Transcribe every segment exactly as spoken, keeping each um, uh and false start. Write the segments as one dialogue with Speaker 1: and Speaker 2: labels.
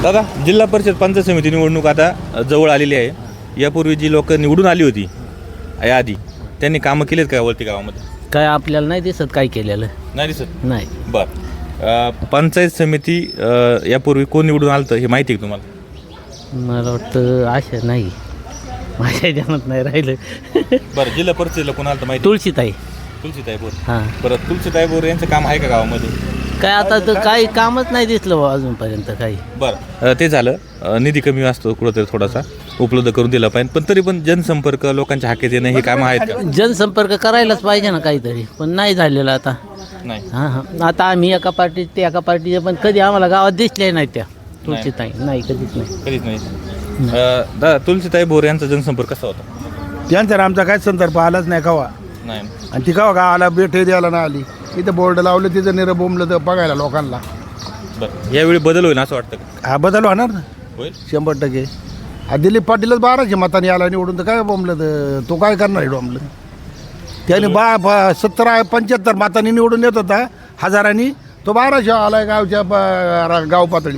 Speaker 1: दादा, जिल्हा परिषद पंचायत समिती निवडणूक आता जवळ आलेली आहे. यापूर्वी जी लोक निवडून आली होती याआधी, त्यांनी कामं केलेत का वरती गावामध्ये?
Speaker 2: काय आपल्याला नाही दिसत काय केलेलं
Speaker 1: नाही दिसत.
Speaker 2: नाही.
Speaker 1: बरं, पंचायत समिती अ, यापूर्वी कोण निवडून आलं तर हे माहिती आहे का तुम्हाला?
Speaker 2: मला वाटतं आशा नाही, माझ्या ध्यानात नाही राहिलं.
Speaker 1: बरं, जिल्हा परिषदेला कोण आलं तर माहिती?
Speaker 2: तुळशीताई.
Speaker 1: तुलसीताई बोर.
Speaker 2: हां,
Speaker 1: बरं, तुलसीताई बोर यांचं काम आहे का गावामध्ये?
Speaker 2: काय आता तर काही कामच नाही दिसलं बुवा अजूनपर्यंत काही.
Speaker 1: बरं, अ, ते झालं. अ, निधी कमी असतो कुठंतरी, थोडासा उपलब्ध करून दिला पाहिजे, पण तरी पण जनसंपर्क, लोकांच्या हाकेत येणं हे कामं आहेत का?
Speaker 2: जनसंपर्क करायलाच पाहिजे ना काहीतरी, पण नाही झालेलं आता.
Speaker 1: नाही.
Speaker 2: हां हां, आता आम्ही एका पार्टीत ते एका पार्टीचे, पण कधी आम्हाला गावात दिसले नाही त्या तुळशीताई. नाही, कधीच नाही.
Speaker 1: कधीच नाही. अ, दादा, तुलसीताई बोर यांचा जनसंपर्क कसा होता?
Speaker 3: त्यांचा आमचा काय संदर्भ आलाच नाही कवा.
Speaker 1: नाही.
Speaker 3: आणि ती कवा गावाला भेटे द्यायला नाही आली. इथं बोर्ड लावलं, तिथं निरं बोंबलं तर बघायला लोकांना.
Speaker 1: बरं, यावेळी बदल होईल असं वाटतं का?
Speaker 3: हा बदल होणार ना
Speaker 1: होईल.
Speaker 3: शंभर टक्के. हा दिलीप पाटीलच बाराशे मताने आला निवडून, तर काय बोंबलं तर तो काय करणार आहे डोंबलं. त्याने बा बा सत्तर पंच्याहत्तर मतांनी निवडून येत होता हजारांनी, तो बाराशे आलाय गावच्या ब- गाव पातळी.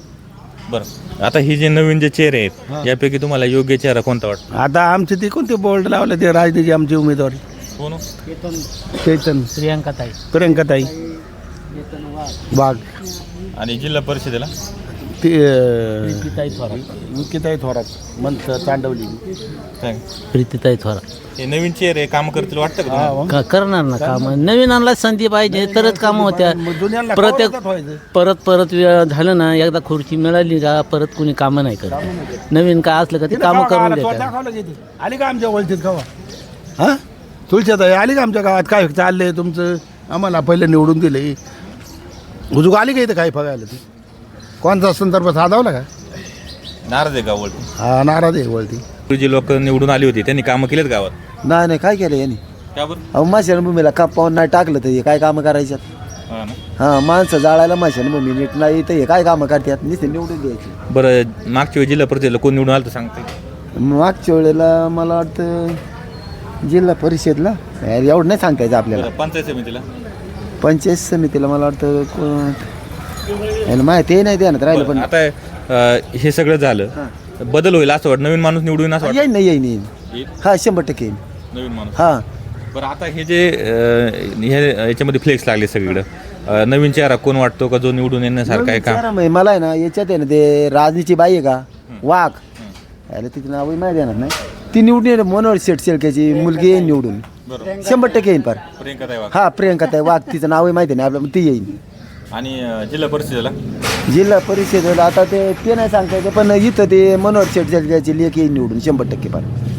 Speaker 1: बरं, आता ही जे नवीन जे चेहरे आहेत यापैकी तुम्हाला योग्य चेहरा कोणता वाटतो?
Speaker 3: आता आमचे ते कोणते बोर्ड लावले ते राजनीती आमची उमेदवारी
Speaker 1: कोण?
Speaker 3: चैतन
Speaker 2: प्रियांकाताई.
Speaker 3: प्रियंकाताई वाघ.
Speaker 1: आणि जिल्हा परिषदेला
Speaker 3: ते
Speaker 2: प्रीतीताई थोरात.
Speaker 3: मुख्यताई थोरात मंत चांडवली.
Speaker 1: काय?
Speaker 2: प्रीतीताई थोरात.
Speaker 1: हे नवीन चेहरे काम करतील वाटतं का तुम्हाला?
Speaker 2: का करणार ना काम, नवीनांना संधी पाहिजे तरच कामं होत्या.
Speaker 3: जुन्यांना
Speaker 2: प्रत्येक
Speaker 3: कवरच व्हायचं.
Speaker 2: परत परत वेळ झालं ना, एकदा खुर्ची मिळाली का परत कुणी कामं नाही करत. नवीन काय असलं का ते कामं करून देतात.
Speaker 3: दाखवलं किती आली का आमच्या ओळखीत गावा? हा तुळशीताई आली का आमच्या गावात? काय चाललंय तुमचं? आम्हाला पहिले निवडून दिले, हुजूक आली का इथं काय बघायला? ती कोणता संदर्भ साधावला का?
Speaker 1: नाराज आहे का वळती?
Speaker 3: हा नाराज आहे वळती.
Speaker 1: जी लोक निवडून आली होती त्यांनी कामं केलेत गावात?
Speaker 4: नाही नाही काय केलं यांनी?
Speaker 1: का बरं?
Speaker 4: अहो माशानभूमीला कापावून नाही टाकलं तर हे काय कामं करायच्यात?
Speaker 1: हा ना.
Speaker 4: हां, माणसं जाळायला माशानभूमी नीट नाही तर हे काय कामं करतात? नुसते निवडून द्यायची.
Speaker 1: बरं, मागच्या वेळी जिल्हा परिषदेला कोण निवडून आलं तर सांगते?
Speaker 4: मागच्या वेळेला मला वाटतं जिल्हा परिषदला यार एवढं नाही सांगायचं आपल्याला.
Speaker 1: बरं, पंचायत समितीला?
Speaker 4: पंचायत समितीला मला वाटतं कोण याला माहिती नाही ध्यानात राहिलं. पण
Speaker 1: बरं, आता अ, हे सगळं झालं, बदल होईल असं वाटतं? नवीन माणूस निवडून येईल असं वाटतं?
Speaker 4: येईन नाही येईन येईन
Speaker 1: येईल?
Speaker 4: हां शंभर टक्के येईन.
Speaker 1: नवीन माणूस.
Speaker 4: हां
Speaker 1: बरं, आता हे जे अ, हे याच्यामध्ये फ्लेक्स लागले सगळीकडं, अ, नवीन चेहरा कोण वाटतो का जो निवडून येण्यासारखा आहे का?
Speaker 4: विचारा मग मला आहे ना याच्यात आहे ना ते राजनीची बाई आहे का वाघ, याला तिचं नावही माहिती येणार नाही. ती निवडून येईल. मनोहर शेठ शेळकेची मुलगी येईन निवडून,
Speaker 1: बरं.
Speaker 4: शंभर टक्के येईन. पार
Speaker 1: प्रियंका ताई वाघ.
Speaker 4: हा प्रियंका ताई वाघ, तिचं नावही माहिती नाही आपल्याला, ती येईन.
Speaker 1: आणि अ, जिल्हा परिषदेला?
Speaker 4: जिल्हा परिषदेला आता ते ते नाही सांगता येतं, पण इथं ते मनोहर शेठ शेळकेची लेख येईन निवडून शंभर टक्के. पार